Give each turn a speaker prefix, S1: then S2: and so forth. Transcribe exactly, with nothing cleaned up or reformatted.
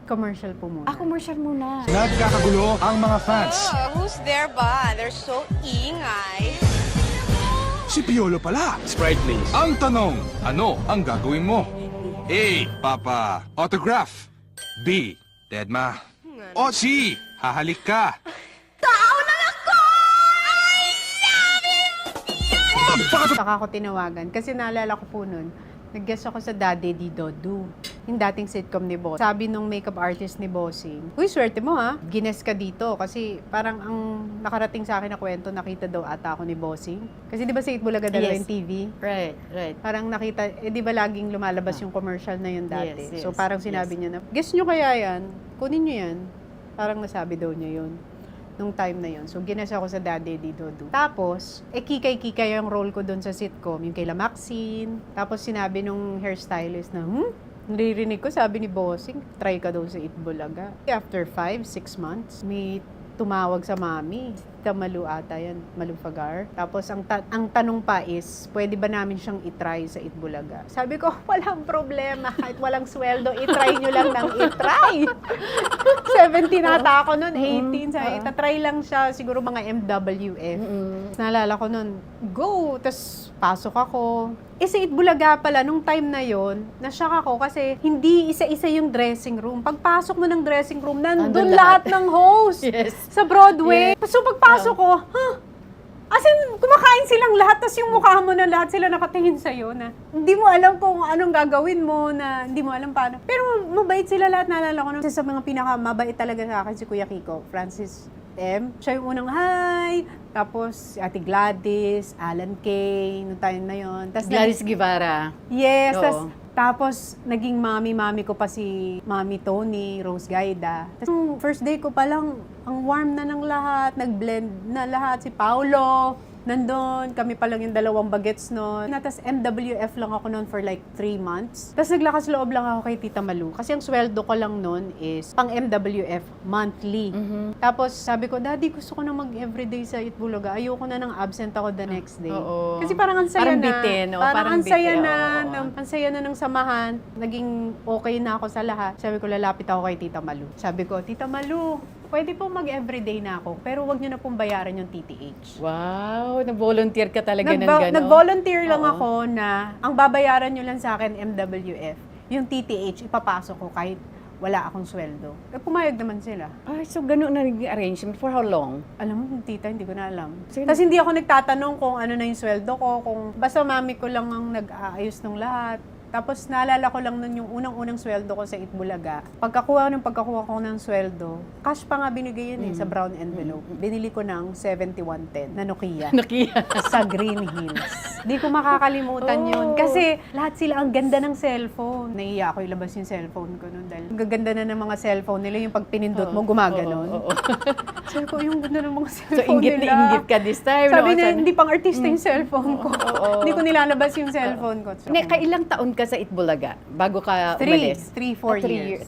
S1: Commercial po muna.
S2: Ah, commercial muna.
S3: Nagkakagulo ang mga fans.
S4: Oh, who's there ba? They're so ingay.
S3: Si Piolo pala.
S5: Sprite, please.
S3: Ang tanong, ano ang gagawin mo? A. Papa, autograph. B. Deadma. O C. Hahalik ka.
S1: Saka ako tinawagan kasi naalala ko po nun, nag-guest ako sa Daddy Di Dodu, yung dating sitcom ni Boss. Sabi nung makeup artist ni Bossing, uy, swerte mo ha, gines ka dito kasi parang ang nakarating sa akin na kwento, nakita daw ata ako ni Bossing. Kasi di ba sa Itbulaga dalawa
S2: Yes.
S1: yung T V?
S2: Right, right.
S1: Parang nakita, eh di ba laging lumalabas yung commercial na yun dati?
S2: Yes, yes,
S1: So parang sinabi
S2: yes.
S1: niya na, guess nyo kaya yan, kunin nyo yan. Parang nasabi daw niya yun nung time na yun. So, gines ako sa Daddy Di Dodu. Tapos, eh, kikay-kikay yung role ko doon sa sitcom, yung kay La Maxine. Tapos, sinabi nung hairstylist na, hmm, naririnig ko, sabi ni Bossing, try ka daw sa Itbulaga. After five, six months, may tumawag sa mami. Malu ata yan, Malu Fagar. Tapos, ang, ta- ang tanong pa is, pwede ba namin siyang itry sa Itbulaga? Sabi ko, walang problema. Kahit walang sweldo, itry nyo lang ng itry. seventeen ata ako noon, eighteen. Sabi, itatry lang siya, siguro mga M W F. Naalala ko noon, go! Tapos, pasok ako. Eh, sa Itbulaga pala, nung time na yon, nashock ako kasi hindi isa-isa yung dressing room. Pagpasok mo ng dressing room, nandun
S2: Nandun
S1: lahat
S2: lahat.
S1: ng host.
S2: Yes.
S1: Sa Broadway. So, pagpasok ko, huh? As in, kumakain silang lahat, tas yung mukha mo na lahat sila nakatingin sa'yo na hindi mo alam kung anong gagawin mo, na hindi mo alam paano. Pero mabait sila lahat, naalala ko. Isa sa mga pinakamabait talaga sa akin si Kuya Kiko, Francis M. Siya yung unang hi, tapos si Ate Gladys, Alan Kay, noong time na yon. Tas
S2: Gladys Guevara.
S1: Yes,
S2: Oo.
S1: tas, tapos naging mami-mami ko pa si Mami Tony, Rose Gaida. Tas, nung first day ko pa lang, ang warm na ng lahat, nag-blend na lahat. Si Paolo, nandun, kami pa lang yung dalawang bagets noon. Tapos M W F lang ako noon for like three months. Tapos naglakas loob lang ako kay Tita Malu. Kasi ang sweldo ko lang noon is pang M W F, monthly. Tapos sabi ko, Daddy, gusto ko na mag-everyday sa Itbulaga. Ayoko na ng absent ako the next day.
S2: Oo.
S1: Kasi parang ang saya
S2: Parang
S1: na.
S2: bitin, oo,
S1: Parang,
S2: parang
S1: ang saya
S2: bitin,
S1: na.
S2: oo.
S1: ng- ang saya na ng samahan. Naging okay na ako sa lahat. Sabi ko, lalapit ako kay Tita Malu. Sabi ko, Tita Malu, pwede po mag-everyday na ako, pero wag niyo na pong bayaran yung T T H.
S2: Wow, nag-volunteer ka talaga ng
S1: Nagba-
S2: gano'n.
S1: Nag-volunteer lang
S2: Oo.
S1: ako na ang babayaran nyo lang sa akin M W F, yung T T H, ipapasok ko kahit wala akong sweldo. Eh, pumayag naman sila.
S2: Ay, so gano'n na naging arrangement. For how long?
S1: Alam mo, tita, hindi ko na alam.
S2: Sige.
S1: Tapos hindi ako nagtatanong kung ano na yung sweldo ko, kung basta mami ko lang ang nag-aayos ng lahat. Tapos naalala ko lang nun yung unang-unang sweldo ko sa Itbulaga. Pagkakuha ng pagkakuha ko ng sweldo, cash pa nga binigay yun eh, sa brown envelope. Binili ko ng seventy-one ten na Nokia.
S2: Nakiya.
S1: Sa Green Hills. Di ko makakalimutan yun.
S2: Oh.
S1: Kasi lahat sila ang ganda ng cellphone. Naiiya ako ilabas yung cellphone ko nun dahil ang gaganda na ng mga cellphone nila, yung pag pinindot mo, gumaganon.
S2: Oo, oo, oo.
S1: Sabi ko, yung ganda ng mga
S2: So,
S1: cellphone
S2: inggit
S1: nila.
S2: na inggit ka this time.
S1: Sabi
S2: no?
S1: na, hindi pang artista yung cellphone ko.
S2: oo.
S1: Hindi ko nilalabas yung cellphone ko. So,
S2: Ne, kailang taon ka sa Itbulaga bago ka
S1: Three.
S2: umalis?
S1: Three, four
S2: Ah, three
S1: years.
S2: years.